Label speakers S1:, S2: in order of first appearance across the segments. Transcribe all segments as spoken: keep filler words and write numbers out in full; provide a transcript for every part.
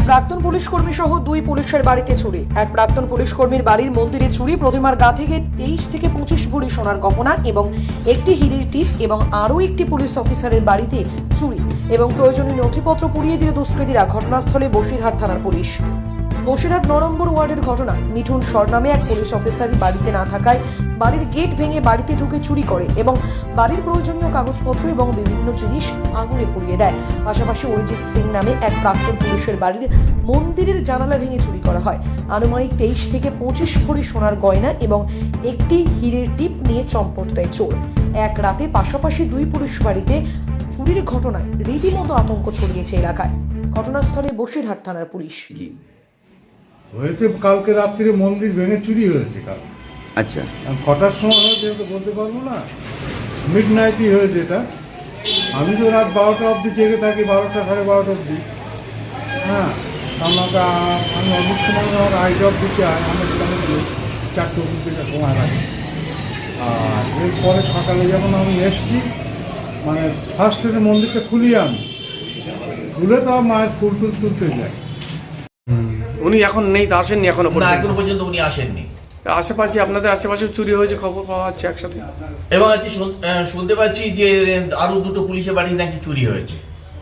S1: প্রাক্তন পুলিশ কর্মী সহ দুই পুলিশের বাড়িতে চুরি। এক প্রাক্তন পুলিশ কর্মীর বাড়ির মন্দিরে চুরি, প্রতিমার গা থেকে তেইশ থেকে পঁচিশ ভরি সোনার গহনা এবং একটি হীরের টিপ এবং আরও একটি পুলিশ অফিসারের বাড়িতে চুরি এবং প্রয়োজনীয় নথিপত্র পুড়িয়ে দিল দুষ্কৃতীরা। ঘটনাস্থলে বসিরহাট থানার পুলিশ। বসিরহাট ন নম্বর ওয়ার্ডের ঘটনা। মিঠুন সর নামে এক পুলিশ অফিসার বাড়িতে না থাকায় বাড়ির গেট ভেঙে বাড়িতে ঢুকে চুরি করে এবং বাড়ির প্রয়োজনীয় কাগজপত্র এবং বিভিন্ন জিনিস আগুনে পুড়িয়ে দেয়। পাশাপাশি অরিজিৎ সিং নামে এক প্রাক্তন পুলিশের বাড়ির মন্দিরের জানালা ভেঙে চুরি করা হয়। আনুমানিক তেইশ থেকে পঁচিশ ভরি সোনার গয়না এবং একটি হীরের টিপ নিয়ে চম্পট দেয় চোর। এক রাতে পাশাপাশি দুই পুলিশ বাড়িতে চুরির ঘটনায় রীতিমতো আতঙ্ক ছড়িয়েছে এলাকায়। ঘটনাস্থলে বসিরহাট থানার পুলিশ।
S2: হয়েছে কালকে রাত্রিরে মন্দির ভেঙে চুরি হয়েছে। কাল
S3: আচ্ছা,
S2: কটার সময় হয়েছে তো বলতে পারবো না, মিড নাইটই হয়েছে এটা। আমি তো রাত বারোটা অবধি জেগে থাকি, বারোটা সাড়ে বারোটা অবধি। হ্যাঁ, আমাকে আমি অফিস সময় আমার আইডি অফ দিতে হয়, আমার সেখানে চারটে অবধি থেকে সময় লাগে। আর এরপরে সকালে যখন আমি এসছি, মানে ফার্স্ট এর মন্দিরটা খুলি, আমি খুলে তো মায়ের ফুল টুল তুলতে যাই।
S4: উনি এখন নেই, তা আসেননি এখনো
S5: না,
S4: পর্যন্ত?
S5: এখনো পর্যন্ত উনি আসেননি।
S4: আশেপাশে আপনাদের আশেপাশে চুরি হয়েছে খবর পাওয়া যাচ্ছে একসাথে।
S5: এবং আজকে শুন- আহ, শুনতে পাচ্ছি যে আরো দুটো পুলিশের বাড়ি নাকি চুরি হয়েছে।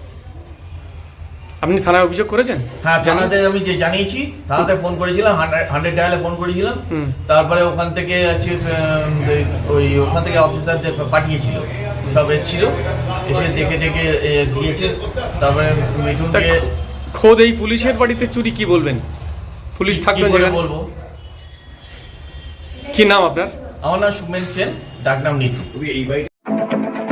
S4: আপনি থানায় অভিযোগ করেছেন?
S5: হ্যাঁ, থানাতে আমি যে জানিয়েছি, থানাতে ফোন করেছিলাম, হান্ড্রেড ডায়ালে ফোন করেছিলাম।
S4: হুম।
S5: তারপরে ওখান থেকে হচ্ছে আহ, ওই ওখান থেকে অফিসারদের পাঠিয়েছিল, সব এসেছিল, এসে দেখে দেখে দিয়েছে। তারপরে মিঠুনকে
S4: তা খোদ এই পুলিশের বাড়িতে চুরি, কি বলবেন? পুলিশ
S5: কি
S4: থাকবেন
S5: করে
S4: যেখানে?
S5: বলবো?
S4: কি নাম আপনার?
S5: আমার নাম সুমেন সেন, ডাকনাম নিতু।